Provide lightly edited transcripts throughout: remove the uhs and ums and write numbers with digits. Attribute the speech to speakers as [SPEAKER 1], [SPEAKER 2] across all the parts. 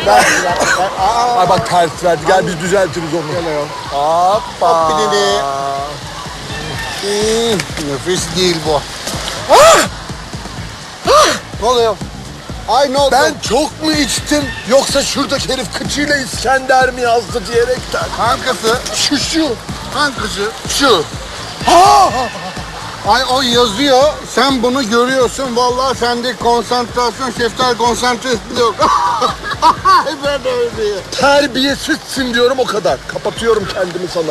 [SPEAKER 1] Ver.
[SPEAKER 2] Ay bak ters verdi. Gel biz düzeltiriz onu.
[SPEAKER 1] Gel ayol.
[SPEAKER 2] Hoppa.
[SPEAKER 1] Hop bir dedi. Nefis değil bu. Ne oluyor? Ay ne oldu?
[SPEAKER 2] Ben çok mu içtim yoksa şuradaki herif kıçıyla İskender mi yazdı diyerekten?
[SPEAKER 1] Kankası.
[SPEAKER 2] Şu.
[SPEAKER 1] Kankası.
[SPEAKER 2] Şu.
[SPEAKER 1] Ay o yazıyor. Sen bunu görüyorsun. Vallahi sende konsantrasyon, şeftal konsantresi yok. Ben de öyle.
[SPEAKER 2] Terbiyesizsin diyorum o kadar. Kapatıyorum kendimi sana.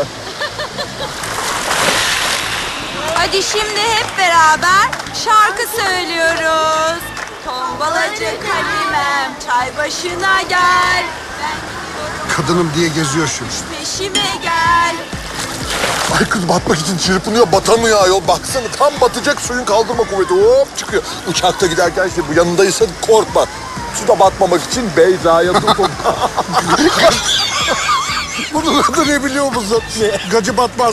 [SPEAKER 3] Hadi şimdi hep beraber şarkı söylüyoruz. Tombalacı kalimem çay başına gel. Ben gidiyorum
[SPEAKER 1] Kadınım diye geziyor şu.
[SPEAKER 3] peşime gel.
[SPEAKER 2] Ay kız batmak için çırpınıyor, batamıyor ayol. Baksana tam batacak, suyun kaldırma kuvveti hop çıkıyor. Uçakta giderken işte bu yanındaysa korkma. Suda batmamak için Beyza'ya tutun.
[SPEAKER 1] Bunun adı ne biliyor musun?
[SPEAKER 2] Ne?
[SPEAKER 1] Gacı batmaz.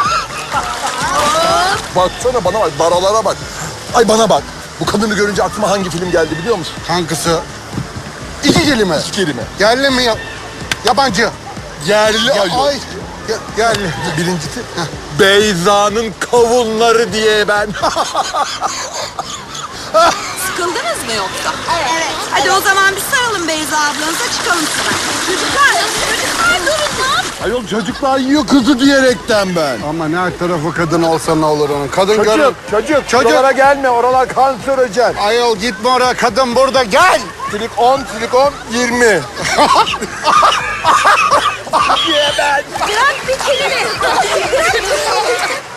[SPEAKER 2] Baksana bana bak, baralara bak. Ay bana bak. Bu kadını görünce aklıma hangi film geldi biliyor musun?
[SPEAKER 1] Kankası. İki kelime.
[SPEAKER 2] İki kelime.
[SPEAKER 1] Yerli mi? Yabancı.
[SPEAKER 2] Yerli ayol.
[SPEAKER 1] Ay. Yerli.
[SPEAKER 2] Birincisi Beyza'nın kavunları diye ben.
[SPEAKER 3] Sıkıldınız mı yoksa? Evet. Hadi o zaman bir saralım Beyza ablanıza çıkalım sıra. Çocuklar durun lan.
[SPEAKER 2] Ayol çocuklar yiyor kızı diyerekten ben.
[SPEAKER 1] Ama her tarafı kadın olsa ne olur onun. Kadın görür.
[SPEAKER 2] Çocuk. Oralara gelme, oralar kanserojen.
[SPEAKER 1] Ayol gitme oraya, kadın burada, gel.
[SPEAKER 2] Silikon 20.
[SPEAKER 3] Bırak bir kelime.